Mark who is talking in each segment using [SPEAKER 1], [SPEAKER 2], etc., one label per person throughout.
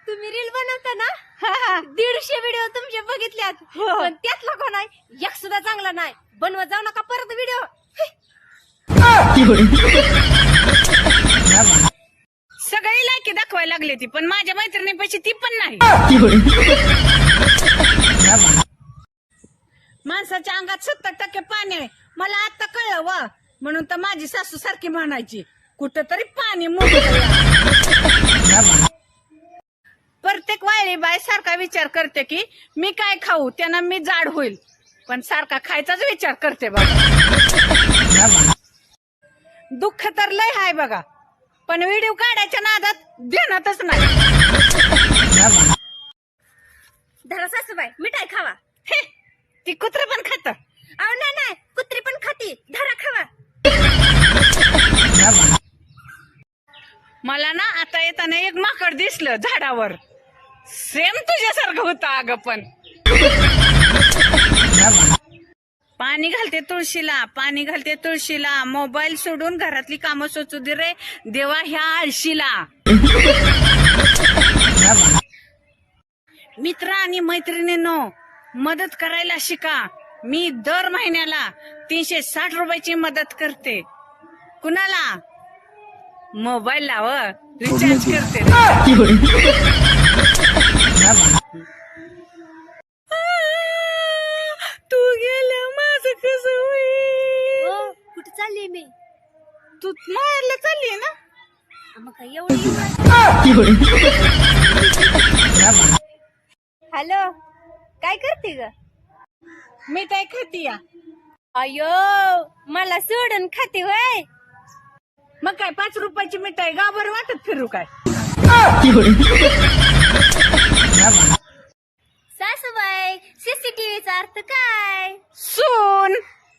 [SPEAKER 1] तुम्ही रील बनवता ना 150 व्हिडिओ तुमचे बघितल्यात पण त्यातला कोण आहे एक सुद्धा चांगला नाही बनवत जाऊ नका परत व्हिडिओ
[SPEAKER 2] सगळी लायकी दाखवायला लागली ती पण माझ्या मैत्रिणीपाशी ती पण नाही माणसाच्या अंगात 70% पाणी आहे मला आता कळलं वा म्हणून तर माझी सासू सारखी म्हणायची कुठं तरी पाणी प्रत्येक वायली बाय सारखा विचार करते की मी काय खाऊ त्यानं मी जाड होईल पण सारखा खायचाच विचार करते बघा दुःख तर लय हाय बघा पण व्हिडिओ काढायच्या नादात ध्यानातच नाही
[SPEAKER 1] धरा सासूबाई मिठाई खावा
[SPEAKER 2] हे ती कुत्र पण खात
[SPEAKER 1] अहो नाही कुत्री पण खाती धरा खावा
[SPEAKER 2] मला ना आता येताना एक माकड दिसलं झाडावर सेम तुझ्यासारखं होतं अगं पण पाणी घालते तुळशीला मोबाईल सोडून घरातली कामं सोचू दे रे देवा ह्या आळशीला मित्र आणि मैत्रिणींनो मदत करायला शिका मी दर महिन्याला 360 रुपयाची मदत करते कुणाला मोबाईल लाव रिचार्ज करते तू गेल्या माझं कसं होईल
[SPEAKER 1] कुठे चालली मी
[SPEAKER 2] तू माहेरला चालली ना
[SPEAKER 1] मग काय एवढी हॅलो काय करते ग
[SPEAKER 2] मी काय खातीया
[SPEAKER 1] अयो मला सोडून खाते होय
[SPEAKER 2] मग काय 5 रुपयाची मिठाई गावावर वाटत फिरू काय
[SPEAKER 1] सासूबाई सीसीटीव्हीचा अर्थ काय
[SPEAKER 2] सून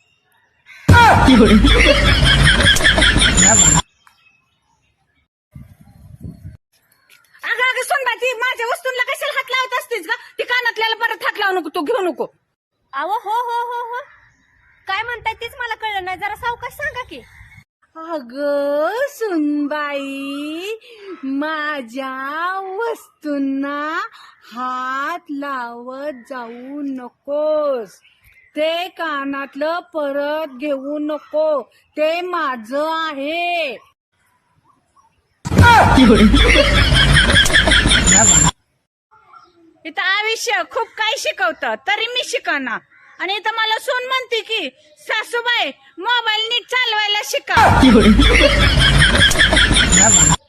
[SPEAKER 2] अगं सुनबाई ती माझ्या वस्तूंना कशाला हात लावत असतेस का ती कानातल्याला परत हात लावू नको तू घेऊ नको
[SPEAKER 1] अहो हो काय म्हणताय तेच मला कळलं नाही जरा सावकाश सांगा की
[SPEAKER 2] अग सुनबाई माझ्या वस्तूंना हात लावत जाऊ नकोस ते कानातलं परत घेऊ नको ते माझं आहे इथं आयुष्य खूप काही शिकवतं तरी मी शिकवणार आणि इथं मला सून म्हणते की सासूबाई मोबाईल नीट चालवायला शिका